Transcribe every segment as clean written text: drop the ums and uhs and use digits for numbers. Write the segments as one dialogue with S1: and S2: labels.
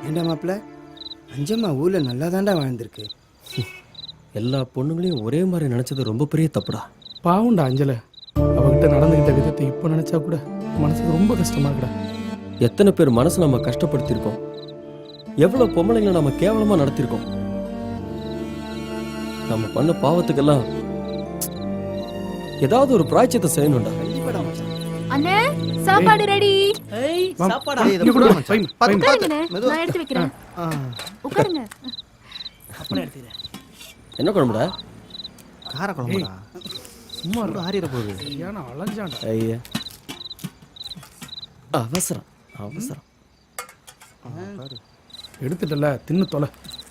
S1: ஏண்டா மாப்பிள்ள அஞ்சம்மா ஊரில் நல்லா தாண்டா வாழ்ந்திருக்கு.
S2: எல்லா பொண்ணுங்களையும் ஒரே மாதிரி நினைச்சது ரொம்ப பெரிய தப்புடா.
S3: பாவுண்டா அஞ்சலை, அவகிட்ட நடந்துக்கிட்ட விதத்தை இப்போ நினச்சா கூட மனசுக்கு ரொம்ப கஷ்டமா இருக்குடா.
S2: எத்தனை பேர் மனசை நம்ம கஷ்டப்படுத்தியிருக்கோம், எவ்வளோ பொம்பளைங்களை நம்ம கேவலமாக நடத்தியிருக்கோம். நம்ம பண்ண பாவத்துக்கெல்லாம் ஏதாவது ஒரு பிராய்ச்சியத்தை செய்யணும்டா.
S4: அண்ணே சாப்பாடு ரெடி.
S5: சாப்பாடா?
S4: உட்காருங்கண்ணே, நான் எடுத்து வைக்கிறேன். உட்காருங்க.
S2: என்ன குழம்புடா?
S1: கார குழம்புடா.
S3: சும்மா
S1: ஆறிட போகுது.
S3: ஏன்னா அலைஞ்சான்டா.
S2: ஐயா அவசரம் அவசரம்.
S3: எடுத்துட்டல, தின்னு தொலை.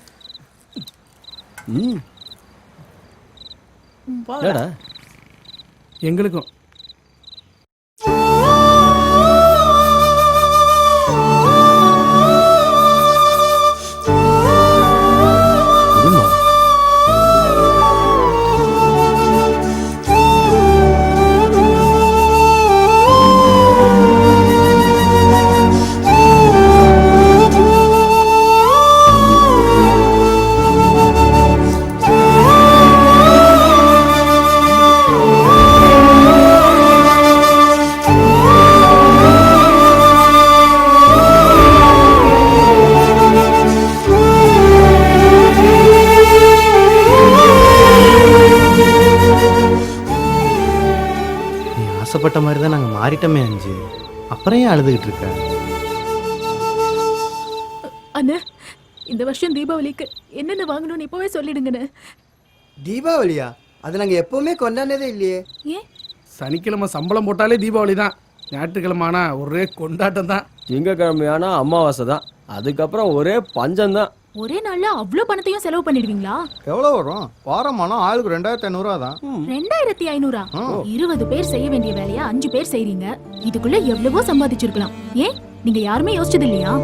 S2: ஏடா
S3: எங்களுக்கும்
S1: ஆசைப்பட்ட மாதிரி தான் நாங்கள் மாறிட்டோமே அஞ்சு. அப்புறம் ஏன் அழுதுகிட்டு இருக்க?
S4: அண்ணே, இந்த வருஷம் தீபாவளிக்கு என்னென்ன வாங்கணும்னு இப்பவே சொல்லிடுங்கண்ணே.
S1: தீபாவளியா? அது நாங்கள் எப்பவுமே கொண்டாடினதே இல்லையே.
S4: ஏன்?
S3: சனிக்கிழமை சம்பளம் போட்டாலே தீபாவளி தான். ஞாயிற்றுக்கிழமை ஆனா ஒரே கொண்டாட்டம் தான்.
S2: திங்கக்கிழமையானா அமாவாசை தான். அதுக்கப்புறம் ஒரே பஞ்சம் தான்.
S4: ஒரே நாள்ல அவ்வளவு பணத்தையும் செலவு பண்ணிடுவீங்களா?
S6: எவ்வளோ வரும்? வாரமானா ஆளுக்கு 2500 தான்.
S4: 2500? 20 பேர் செய்ய வேண்டிய வேலையா 5 பேர் செய்றீங்க. இதுக்குள்ள எவ்வளவோ சம்பாதிச்சிருக்கலாம். ஏன் நீங்க யாருமே யோசிச்சது இல்லையா?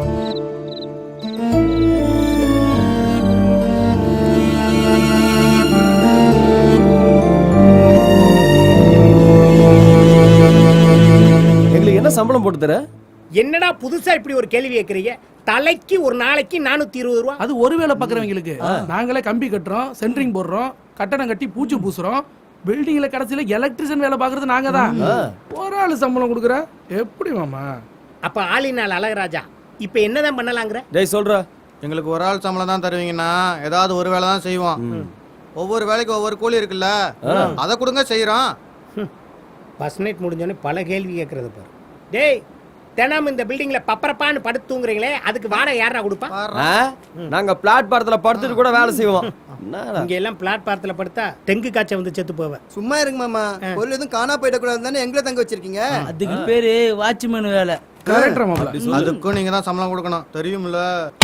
S2: எங்களுக்கு என்ன சம்பளம் போட்டு தர?
S5: என்னடா புதுசா இப்படி ஒரு கேள்வி கேட்கறீங்க? தலைக்கு ஒரு நாளைக்கு 420 ரூபா.
S3: அது ஒரு வேலை பார்க்குறவங்களுக்கு. நாங்களே கம்பி கட்டுறோம், சென்ட்ரிங் போடுறோம், கட்டணம் கட்டி பூச்சி பூசுறோம். பில்டிங்ல கடைசியில எலக்ட்ரிஷியன் வேலை பார்க்கறது நாங்க தான். ஒரு ஆளு சம்பளம் கொடுக்குற எப்படி மாமா?
S5: அப்ப ஆளினால் அழகராஜா இப்ப என்னதான் பண்ணலாங்கிற?
S2: டேய் சொல்ற.
S6: எங்களுக்கு ஒரு ஆள் சம்பளம் தான் தருவீங்கன்னா ஏதாவது ஒரு வேலை தான் செய்வோம். ஒவ்வொரு வேலைக்கு ஒவ்வொரு கூலி இருக்குல்ல, அதை கொடுங்க செய்யறோம்.
S5: பஸ் நைட் முடிஞ்சோடனே பல கேள்வி கேட்கறது பாரு. டேய், தினம் இந்த பில்டிங்ல பப்பரப்பான்னு படுத்து தூங்குறீங்களே, அதுக்கு வாடகை யாரா கொடுப்பா?
S2: நாங்க பிளாட்பாரத்துல படுத்துட்டு கூட வேலை செய்வோம்.
S5: இங்க எல்லாம் பிளாட்பாரத்துல படுத்தா டெங்கு காய்ச்சல் வந்து செத்து போவேன்.
S1: சும்மா இருங்க மாமா. பொருள் எதுவும் காணா போயிடக்கூடாது தானே எங்களை தங்க வச்சிருக்கீங்க.
S7: அதுக்கு பேரு வாட்ச்மேன் வேலை.
S3: கரெக்டா மாமா?
S6: அதுக்கும் நீங்க தான் சம்பளம் கொடுக்கணும், தெரியுமில்ல?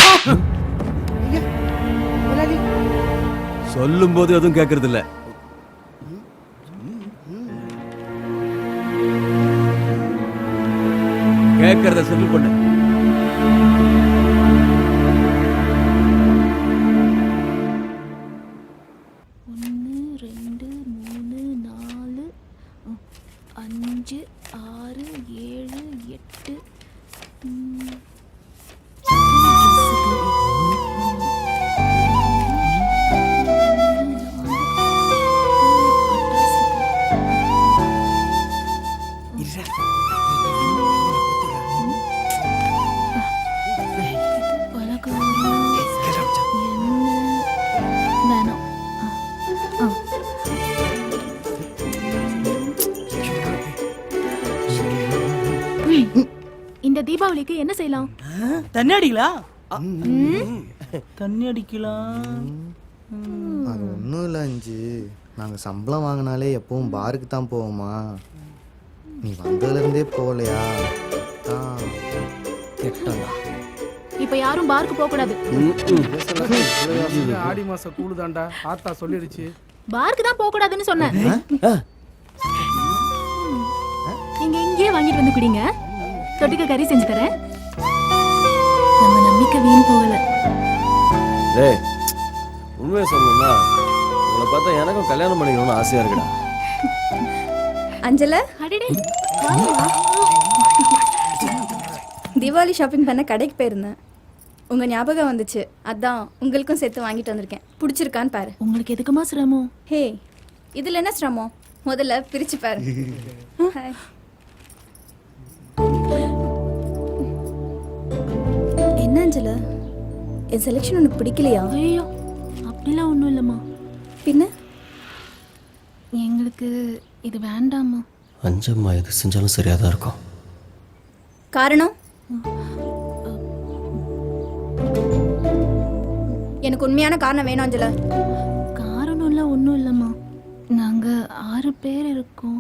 S2: சொல்லும் போது எதுவும் கேட்கறது இல்ல. கேட்கறத செட்டில் பண்ணு.
S4: இந்த தீபாவளிக்கு என்ன செய்யலாம்?
S7: தண்ணி அடிக்கலாம். தண்ணி அடிக்கலாம்.
S1: அது ஒன்றும் இல்லை அஞ்சு. நாங்கள் சம்பளம் வாங்கினாலே எப்பவும் பாருக்கு தான் போவோமா. நீ வந்ததுலேருந்தே போகலையா?
S4: இப்ப யாரும் பாருக்கு போக கூடாது.
S3: ஆடி மாசம் கூடுதாண்டா, ஆத்தா சொல்லிடுச்சு.
S4: பாருக்கு தான் போக கூடாதுன்னு சொன்னேன். நீங்க இங்கேயே வாங்கிட்டு வந்து குடிங்க. தொட்டுக்க கறி செஞ்சு தரேன். நம்ம நம்பிக்கை வீண் போகல.
S2: டேய், உண்மையை சொல்லணும்னா உங்களை பார்த்தா எனக்கும் கல்யாணம் பண்ணிக்கணும்னு ஆசையா இருக்குடா.
S8: அஞ்சல,
S4: அடடே,
S8: தீபாவளி ஷாப்பிங் பண்ண கடைக்கு போயிருந்தேன். உங்க ஞாபகம் வந்துச்சு, அதான் உங்களுக்கும் சேர்த்து வாங்கிட்டு வந்திருக்கேன். பிடிச்சிருக்கான்னு பாரு.
S4: உங்களுக்கு எதுக்குமா சிரமம்?
S8: ஹே, இதுல என்ன சிரமம்? முதல்ல பிரிச்சு பாரு. ஹாய். என்ன அஞ்சல, என் செலெக்ஷன் உனக்கு பிடிக்கலையா?
S4: ஐயோ, அப்படிலாம் ஒன்றும் இல்லைம்மா.
S8: பின்ன
S4: எங்களுக்கு இது வேண்டாம்மா.
S2: அஞ்சம்மா எது செஞ்சாலும் சரியாக தான் இருக்கும்.
S8: காரணம்? எனக்கு உண்மையான காரணம் வேணும் அஞ்சல.
S4: காரணம்லாம் ஒன்றும் இல்லைம்மா. நாங்கள் 6 பேர் இருக்கோம்.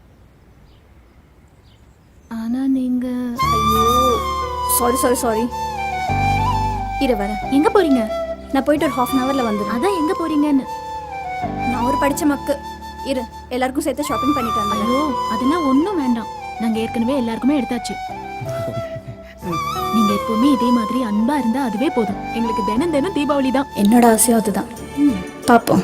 S4: ஆனால் நீங்கள்...
S8: ஐயோ, சாரி சாரி சாரி. இரு வரேன்.
S4: எங்கே போகிறீங்க?
S8: நான் போயிட்டு ஒரு 1/2 hourல வந்துடுறேன்.
S4: அதான் எங்கே போகிறீங்கன்னு.
S8: நான் ஒரு படிச்ச மக்கு. இரு, எல்லாருக்கும் சேர்த்து ஷாப்பிங் பண்ணிட்டு வந்தேன்.
S4: ஐயோ, அதெல்லாம் ஒன்றும் வேண்டாம். நாங்கள் ஏற்கனவே எல்லாருக்குமே எடுத்தாச்சு. நீங்க எப்பவுமே இதே மாதிரி அன்பா இருந்தா அதுவே போதும். எங்களுக்கு தினம் தினம் தீபாவளி தான்.
S8: என்னோட ஆசையும் அதுதான். பாப்போம்.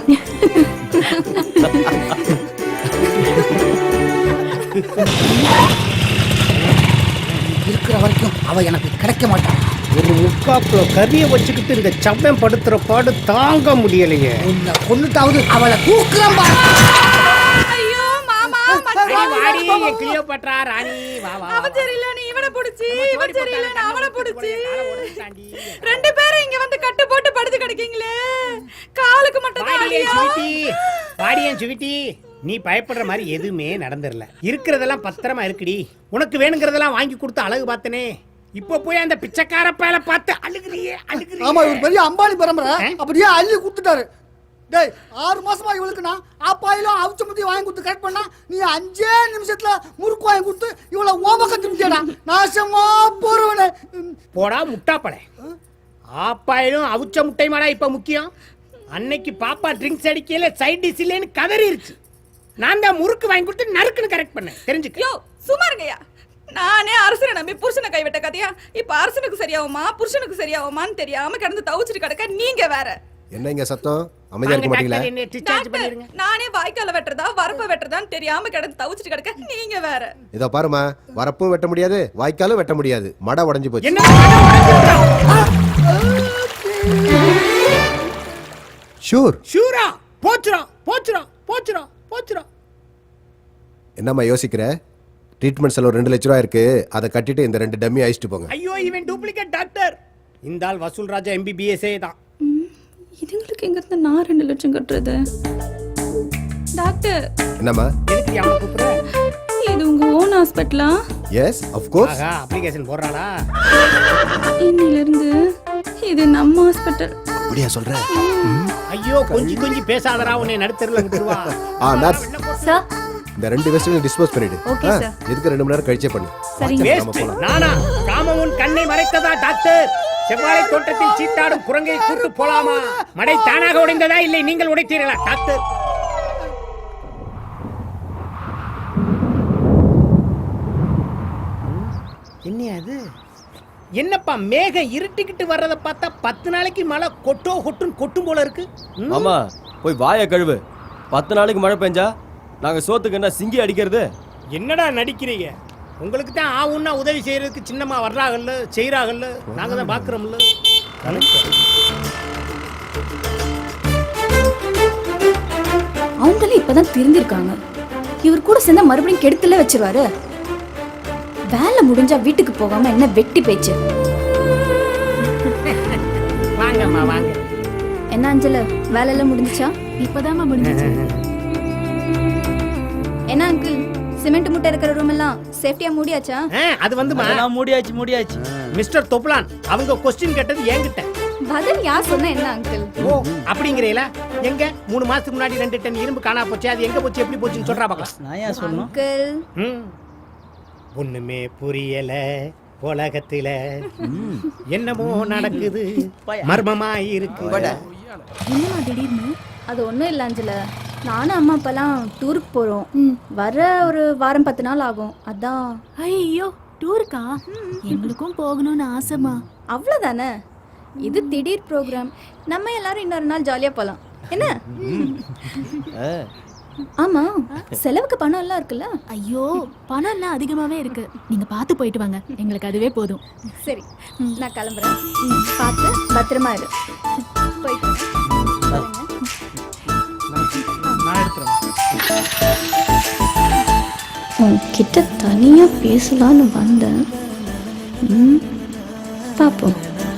S9: இருக்கிற வரைக்கும் அவ எனக்கு கிடைக்க மாட்டான்.
S5: ஒரு முக்காப்புல கறியை வச்சுக்கிட்டு இந்த சப்பம் படுத்துற பாடு தாங்க முடியலையே.
S9: உன்னை கொன்னுட்டாவது அவளை தூக்குறேன் பாரு.
S8: ஐயோ மாமா,
S5: வாடி என் கிளியோபாட்ரா ராணி, வா வா.
S8: அவன் சரியில்லை, நீ இவனை புடிச்சி, இவன் சரியில்லை, நான் அவனை புடிச்சி. 2 பேரும் இங்க வந்து கட்டு போட்டு படுத்து கிடக்கீங்களே. காலுக்கு மட்டும் தான் அடியா.
S5: வாடியன் சுவிட்டி, நீ பயப்படுற மாதிரி எதுவுமே நடந்துடல. இருக்கிறதெல்லாம் பத்திரமா இருக்குடி. உனக்கு வேணுங்கிறதெல்லாம் வாங்கி கொடுத்து அழகு பார்த்தனே. இப்ப போய் அந்த பிச்சைக்கார பயல பார்த்து அழுகுறியே அழுகுறியே.
S9: ஆமா, இவர் பெரிய அம்பானி பரம்பரை, அப்படியே அள்ளி கொடுத்துட்டாரு. டேய், 6 மாசமா இவளுக்கு நான் ஆப்பாயிலும் அவிச்ச முத்தி வாங்கி கொடுத்து கரெக்ட் பண்ணா, நீ 5 நிமிஷத்துல முறுக்கு வாங்கி கொடுத்து இவளை ஓமக்க திரும்பிட்டா. நாசமா போறவனே.
S5: போடா முட்டாப்படை. ஆப்பாயிலும் அவிச்ச முட்டை மாடா இப்ப முக்கியம். அன்னைக்கு பாப்பா ட்ரிங்க்ஸ் அடிக்கல சைட் டிஷ் இல்லைன்னு கதறிருச்சு. நான் தான் முறுக்கு வாங்கி கொடுத்து நறுக்குன்னு கரெக்ட் பண்ணேன். தெரிஞ்சுக்க.
S8: யோ சும்மா இருங்கய்யா. நானே அரசனை நம்பி புருஷனை கைவிட்ட கதையா. இப்ப அரசனுக்கு சரியாகுமா புருஷனுக்கு சரியாகுமான்னு தெரியாம கிடந்து தவிச்சிட்டு கிடக்க நீங்க வேற.
S10: என்ன இங்க சத்தம்? அமைதியா இருக்க மாட்டீங்களா?
S8: நானே வாய்க்கால வெட்டுறதா வரப்ப வெட்டுறதான்னு தெரியாம கிடந்து தவிச்சிட்டு கிடக்க நீங்க வேற.
S10: இதோ பாருமா, வரப்பும் வெட்ட முடியாது, வாய்க்காலும் வெட்ட முடியாது, மடை உடைஞ்சு போச்சு. ஷூர்
S5: ஷூரா? போச்சுறோம் போச்சுறோம் போச்சுறோம் போச்சுறோம்.
S10: என்னம்மா யோசிக்கிற? ட்ரீட்மெண்ட் செலவு 2 லட்ச ரூபா இருக்கு, அதை கட்டிட்டு இந்த 2 டம்மி அழிச்சிட்டு போங்க.
S5: ஐயோ, இவன் டூப்ளிகேட் டாக்டர். இந்த ஆள் வசூல் ராஜா MBBS தான்.
S8: இதுங்களுக்கு எங்க இருந்து நான் 2 லட்சம் கட்டுறது? டாக்டர்
S10: என்னம்மா?
S5: எதுக்கு அவனை கூப்பிடுற?
S8: இது உங்க ஓன் ஹாஸ்பிட்டலா?
S10: Yes of course.
S5: ஆகா, அப்ளிகேஷன் போடுறாளா?
S8: இன்னில இருந்து இது நம்ம ஹாஸ்பிட்டல்.
S10: அப்படியா சொல்ற?
S5: ஐயோ, கொஞ்சம் கொஞ்சம் பேசாதடா, உன்னை நடுத்தருல விட்டுருவா.
S10: நர்ஸ்
S8: சார்,
S10: இந்த 2 வெஸ்டையும் டிஸ்போஸ் பண்ணிடு.
S8: Okay, sir.
S10: எதுக்கு 2 மணி நேரம் கழிச்சே பண்ணு.
S8: சரிங்க.
S10: நம்ம போலாம்.
S5: நானா காமமுன் கண்ணை மறைத்ததா டாக்டர்? செவ்வாழை தோட்டத்தில் சீட்டாடும் குரங்கை கூட்டு போலாமா? மடை தானாக உடைந்ததா இல்லை நீங்கள் உடைத்தீர்களா டாக்டர்? என்ன அது? என்னப்பா மேகம் இருட்டிக்கிட்டு வர்றத பார்த்தா 10 நாளைக்கு மழை கொட்டும் போல இருக்கு.
S2: ஆமா, போய் வாயை கழுவு. 10 நாளைக்கு மழை பெஞ்சா நாங்க சோத்துக்கு என்ன சிங்கி அடிக்கிறது?
S5: என்னடா நடிக்கிறீங்க? உங்களுக்கு தான் ஆவுன்னா உதவி செய்யறதுக்கு சின்னமா வர்றாங்கல்ல, செய்யறாங்கல்ல, நாங்க தான் பாக்குறோம்ல.
S8: அவங்களே இப்பதான் திருந்திருக்காங்க. இவர் கூட சேர்ந்தா மறுபடியும் கெடுத்துல வச்சிருவாரு. வேலை முடிஞ்சா வீட்டுக்கு போகாம என்ன வெட்டி பேச்சு.
S5: வாங்கம்மா வாங்க.
S8: என்ன அஞ்சல, வேலை எல்லாம் முடிஞ்சுச்சா?
S4: இப்பதாம்மா முடிஞ்சிச்சு.
S8: என்ன அங்கிள், சிமெண்ட் மூட்டை இருக்கிற ரூம் எல்லாம் சேஃப்டியா மூடியாச்சா?
S5: அது வந்து
S7: அதெல்லாம் மூடியாச்சு.
S5: மிஸ்டர் தொப்லான், அவங்க கொஸ்டின் கேட்டது என்கிட்ட.
S8: பதில் யார் சொன்னா என்ன அங்கிள்?
S5: ஓ, அப்படிங்கிறீங்களா? எங்க 3 மாசத்துக்கு முன்னாடி 2 டன் இரும்பு காணா போச்சு, அது எங்க போச்சு எப்படி போச்சுன்னு சொல்றா பார்க்கலாம்.
S7: நான் ஏன் சொல்லணும்?
S8: அங்கிள்,
S5: ஒண்ணுமே புரியல உலகத்துல, என்னமோ நடக்குது, மர்மமா இருக்கு.
S4: என்னம்மா திடீர்னு?
S8: அது ஒண்ணும் இல்ல அஞ்சல, நானும் அம்மா அப்பெல்லாம் டூருக்கு போறோம். வர ஒரு வாரம் 10 நாள் ஆகும். அதான்.
S4: ஐயோ, டூருக்கா? எங்களுக்கும் போகணும்னு ஆசைமா.
S8: அவ்வளவுதானே, இது திடீர் ப்ரோக்ராம். நம்ம எல்லாரும் இன்னொரு நாள் ஜாலியா போலாம். என்ன?
S11: ஆமா செலவுக்கு பணம் எல்லாம் இருக்குல்ல.
S4: ஐயோ பணம் எல்லாம் அதிகமாவே இருக்கு. நீங்க பார்த்து போயிட்டு வாங்க, எங்களுக்கு அதுவே போதும்.
S11: சரி நான் கிளம்புறேன். பார்த்து பத்திரமா இரு. போயிட்டு வரேன்.
S3: நான் எடுத்துறேன்.
S11: உன்கிட்ட தனியா பேசலான்னு வந்தேன். பாப்போம்.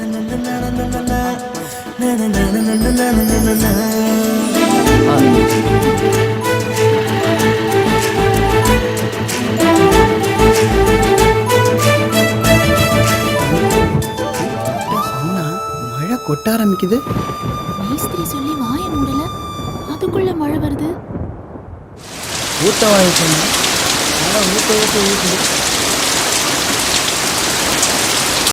S9: சொன்னா மழை கொட்ட ஆரம்பிக்குது.
S4: மேஸ்திரி சொல்லி வாய மூடல, அதுக்குள்ள மழை வருது.
S7: ஊத்த வாங்கிக்கணும். ஊத்த ஊத்த ஊத்து.